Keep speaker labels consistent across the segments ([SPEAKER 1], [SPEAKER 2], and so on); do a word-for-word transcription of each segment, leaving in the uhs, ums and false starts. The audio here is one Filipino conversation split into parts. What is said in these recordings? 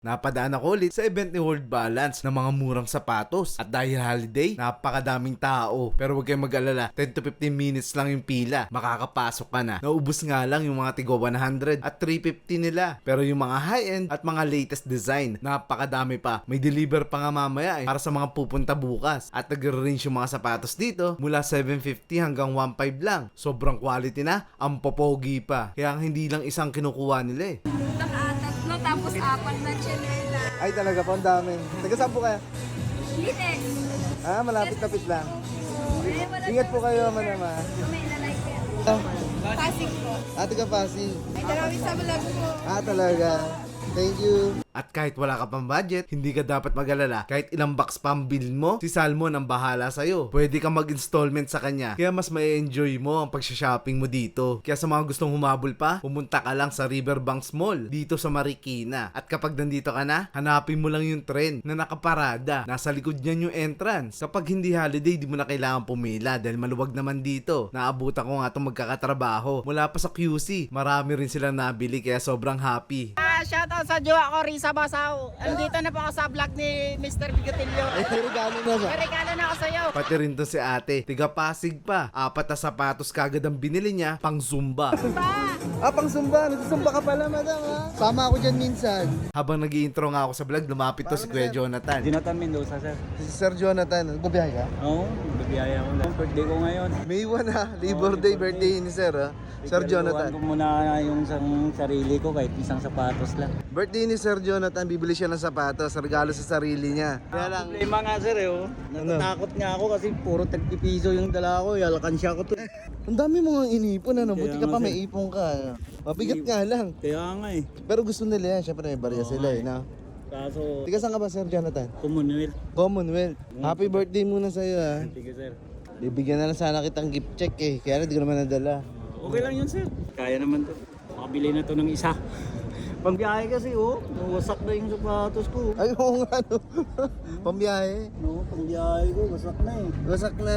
[SPEAKER 1] Napadaan ako ulit sa event ni World Balance ng mga murang sapatos. At dahil holiday, napakadaming tao. Pero huwag kayong mag-alala, ten to fifteen minutes lang yung pila. Makakapasok ka na. Naubos nga lang yung mga tigo one hundred at three fifty nila. Pero yung mga high-end at mga latest design, napakadami pa. May deliver pa nga mamaya eh, para sa mga pupunta bukas. At nag-range yung mga sapatos dito mula seven fifty hanggang one five lang. Sobrang quality na, ang popogi pa. Kaya hindi lang isang kinukuha nila eh.
[SPEAKER 2] Tatlo tapos apat na chinela.
[SPEAKER 3] Ay talaga po, ang dami. Taga saan po kayo?
[SPEAKER 2] Linex.
[SPEAKER 3] Ah, malapit-lapit lang.
[SPEAKER 2] Eh, wala
[SPEAKER 3] Ingat po kayo, manama.
[SPEAKER 2] may lalike yan.
[SPEAKER 3] Ah,
[SPEAKER 2] Pasig po.
[SPEAKER 3] ah, taga Pasig.
[SPEAKER 2] Ay, dalawin sa vlog mo.
[SPEAKER 3] Ah, talaga. Thank you.
[SPEAKER 1] At kahit wala ka pang budget, hindi ka dapat mag-alala. Kahit ilang box pa ang bill mo, si Salmon ang bahala sa'yo. Pwede kang mag-installment sa kanya. Kaya mas may enjoy mo ang pag-shopping mo dito. Kaya sa mga gustong humabol pa, pumunta ka lang sa Riverbanks Mall dito sa Marikina. At kapag nandito ka na, hanapin mo lang yung tren na nakaparada. Nasa likod niyan yung entrance. Kapag hindi holiday, di mo na kailangan pumila dahil maluwag naman dito. Naabutan ko nga itong magkakatrabaho. Mula pa sa Q C, marami rin silang nabili kaya sobrang happy.
[SPEAKER 4] Ah, shoutout sa jowa ko, Risa Basaw. Andito na po ako sa vlog ni mister Bigotilio.
[SPEAKER 3] Ay, regalo na siya.
[SPEAKER 4] May regalo na ako sa'yo.
[SPEAKER 1] Pati rin to si ate, tiga Pasig pa. Apat na sapatos kagad ang binili niya, pang Zumba.
[SPEAKER 3] Ah, pang Zumba. Nagsusumba ka pala, madam, ha? Sama ako dyan minsan.
[SPEAKER 1] Habang nag intro nga ako sa vlog, lumapit to si Kuya Jonathan.
[SPEAKER 5] Jonathan Mendoza, sir.
[SPEAKER 3] Si Sir Jonathan. Nagbabiyahe ka?
[SPEAKER 5] Oo, bibiyaya ko lang. Birthday ko ngayon.
[SPEAKER 3] May one, ha? Labor Day, birthday ni Sir, ha? Sir
[SPEAKER 5] Ikaluan
[SPEAKER 3] Jonathan.
[SPEAKER 5] ko muna yung isang sarili ko kahit isang sapatos lang.
[SPEAKER 3] Birthday ni Sir Jonathan, bibili siya ng sapatos, regalo sa sarili niya. Kaya lang,
[SPEAKER 5] Problema nga, sir, eh, oh. Natatakot nga ako kasi puro tagpipiso yung dala ko. Alkansya ko to.
[SPEAKER 3] ang dami mo nga inipon, ano? Buti
[SPEAKER 5] Kaya
[SPEAKER 3] ka pa
[SPEAKER 5] nga,
[SPEAKER 3] may ipon ka. ano? Mabigat nga lang.
[SPEAKER 5] Kaya nga eh.
[SPEAKER 3] Pero gusto nila yan, syempre may barya sila, eh, no?
[SPEAKER 5] Kaso,
[SPEAKER 3] Tiga saan ka ba, Sir Jonathan?
[SPEAKER 5] Commonwealth.
[SPEAKER 3] Commonwealth. Happy birthday muna sa'yo, ha?
[SPEAKER 5] Sige, sir.
[SPEAKER 3] Bibigyan na lang sana kitang gift check, eh. Kaya hindi ko naman nadala.
[SPEAKER 5] Okay lang yun, sir. Kaya naman to. Makabili na to ng isa. Pambiyahe kasi, oh. Wasak na yung sapatos ko.
[SPEAKER 3] Ay, oo nga, no? Pambiyahe.
[SPEAKER 5] No, pambiyahe ko. Wasak na eh.
[SPEAKER 3] Wasak na.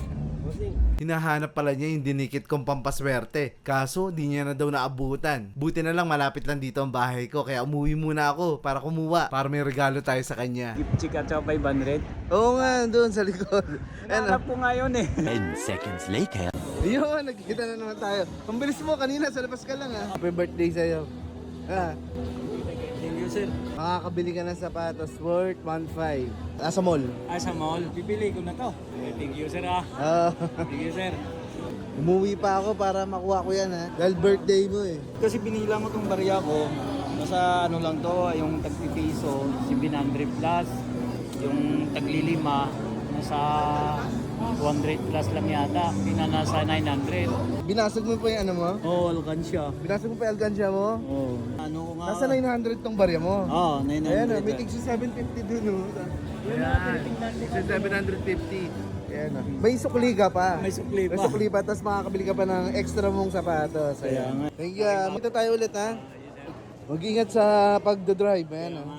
[SPEAKER 1] Hinahanap pala niya yung dinikit kong pampaswerte. Kaso, di niya na daw naabutan. Buti na lang malapit lang dito ang bahay ko. Kaya umuwi muna ako para kumuha. Para may regalo tayo sa kanya.
[SPEAKER 5] Gift check at saka five hundred.
[SPEAKER 3] Oo nga, doon sa likod. Ano?
[SPEAKER 5] Hanap ko ngayon eh.
[SPEAKER 6] ten seconds later.
[SPEAKER 3] Yun, nagkikita na naman tayo. Ang bilis mo, kanina sa labas ka lang, ha? Happy birthday sa'yo. Ah,
[SPEAKER 5] Thank you, sir.
[SPEAKER 3] makakabili ka ng sapatos worth one five. Nasa mall.
[SPEAKER 5] Ah, sa mall. Pipili ko na to. Eh, Thank you, sir, ah.
[SPEAKER 3] Ah,
[SPEAKER 5] Thank you, sir.
[SPEAKER 3] umuwi pa ako para makuha ko yan, ha? Dahil birthday mo, eh.
[SPEAKER 5] Kasi binilang ko tong barya ko. Nasa ano lang to, yung tagpipiso, seven hundred plus. Yung taglilima, nasa two hundred plus lang yata. Pina nasa nine hundred.
[SPEAKER 3] Binasag mo pa yung ano mo?
[SPEAKER 5] Oh, alkansya.
[SPEAKER 3] Binasag mo pa yung alkansya mo?
[SPEAKER 5] Oh. Ano ko nga?
[SPEAKER 3] Nasa nine hundred tong barya mo.
[SPEAKER 5] Oh, nine
[SPEAKER 3] Ayan,
[SPEAKER 5] hundred.
[SPEAKER 3] oh, may tig seven fifty dun, oh.
[SPEAKER 1] Ayan, seven fifty.
[SPEAKER 3] Ayan, oh. May sukli ka pa.
[SPEAKER 5] May sukli
[SPEAKER 3] May
[SPEAKER 5] pa.
[SPEAKER 3] sukli pa, tapos makakabili ka pa ng extra mong sapatos.
[SPEAKER 5] Kaya
[SPEAKER 3] Ayan.
[SPEAKER 5] nga.
[SPEAKER 3] Thank you. ah. Magta tayo ulit, ha? Mag-ingat sa pagdadrive. Ayan, oh.